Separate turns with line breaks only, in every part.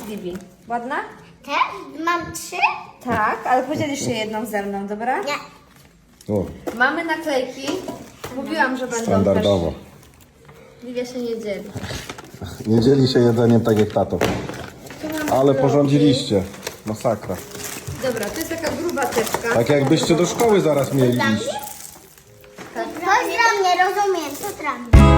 Bibi. Ładna?
Też? Mam 3?
Tak, ale podzielisz się jedną ze mną, dobra?
Nie.
O,
Mamy naklejki. Mówiłam, że będą
standardowo.
też. Livia się nie dzieli.
Nie dzieli się jedzeniem tak jak tato.
Tu mamy
Ale
bloki.
porządziliście. Masakra.
Dobra, to jest taka gruba teczka.
Tak jakbyście do szkoły zaraz mieli
Dla mnie?
iść.
To dla mnie, rozumiem, to dla mnie.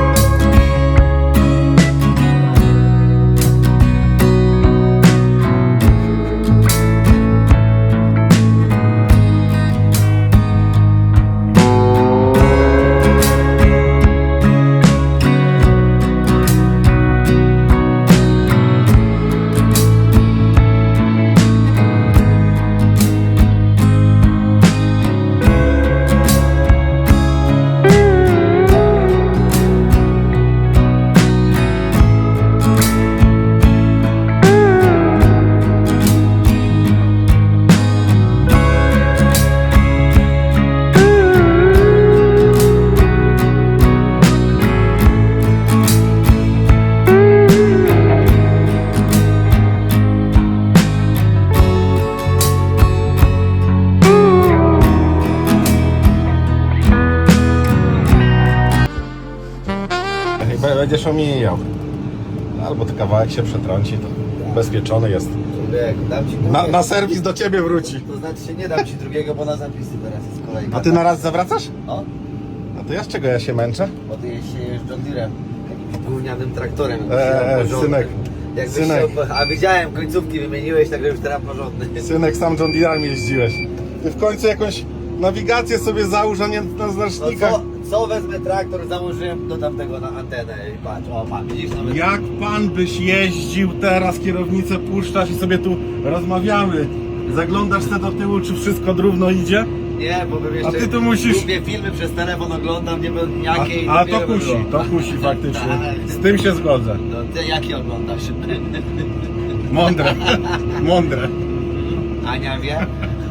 Będziesz omijał. Albo to kawałek się przetrąci, to bezpieczony jest.
Człowiek, dam ci
Na serwis do ciebie wróci.
To znaczy się nie dam ci drugiego, bo na zapisy teraz jest kolejka.
A ty na raz zawracasz?
No,
A to ja z czego ja się męczę?
bo ty jeździsz John Deerem, jakimś gównianym traktorem.
Synek.
Jakbyś
Synek.
Chciał, a widziałem, końcówki wymieniłeś, także już teraz porządny.
Synek, sam John Deerem jeździłeś. Ty w końcu jakąś nawigację sobie załóż, a nie na
No
znacznikach.
co wezmę traktor, założyłem do tamtego na antenę i patrz, o pan, widzisz nawet...
Jak pan byś jeździł teraz, kierownicę puszczasz i sobie tu rozmawiamy. Zaglądasz se do tyłu, czy wszystko równo idzie?
Nie, bo bym jeszcze...
A ty tu musisz-
Lubię filmy przez telefon, oglądam, nie wiem jakie...
A to
dopiero by
kusi,
było.
to kusi faktycznie.
Tak.
Z tym się zgodzę.
No ty jakie oglądasz?
Mądre, mądre.
Ania wie?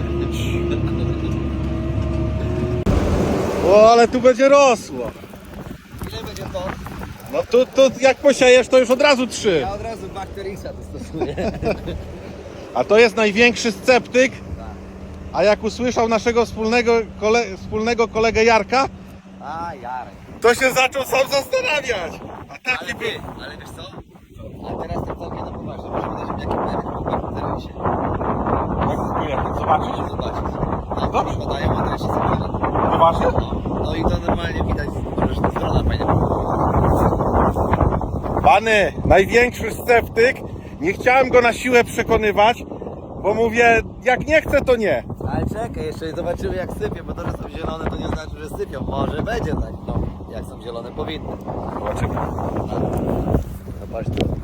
O, ale tu będzie rosło.
Ile będzie to?
No tu jak posiejesz, to już od razu 3.
Ja od razu bakterisa to stosuję.
A to jest największy sceptyk. A jak usłyszał naszego wspólnego kolegę Jarka,
A, Jarek.
to się zaczął sam zastanawiać. A taki
Ale
był.
ty, ale wiesz co? A teraz tak całkiem na poważnie, możemy dać jakie będą w serwisie.
Zobaczyć?
Zobaczyć.
Dobrze.
Podają adres i sobie.
Poważnie?
No i to normalnie widać, że ta strona fajnie
Pany, największy sceptyk. Nie chciałem go na siłę przekonywać, bo mówię, jak nie chce, to nie.
Ale czekaj, jeszcze zobaczymy jak sypie, bo to, że są zielone, to nie znaczy, że sypią. Może będzie tak, no. Jak są zielone, powinny.
Zobaczymy.
Zobacz tu.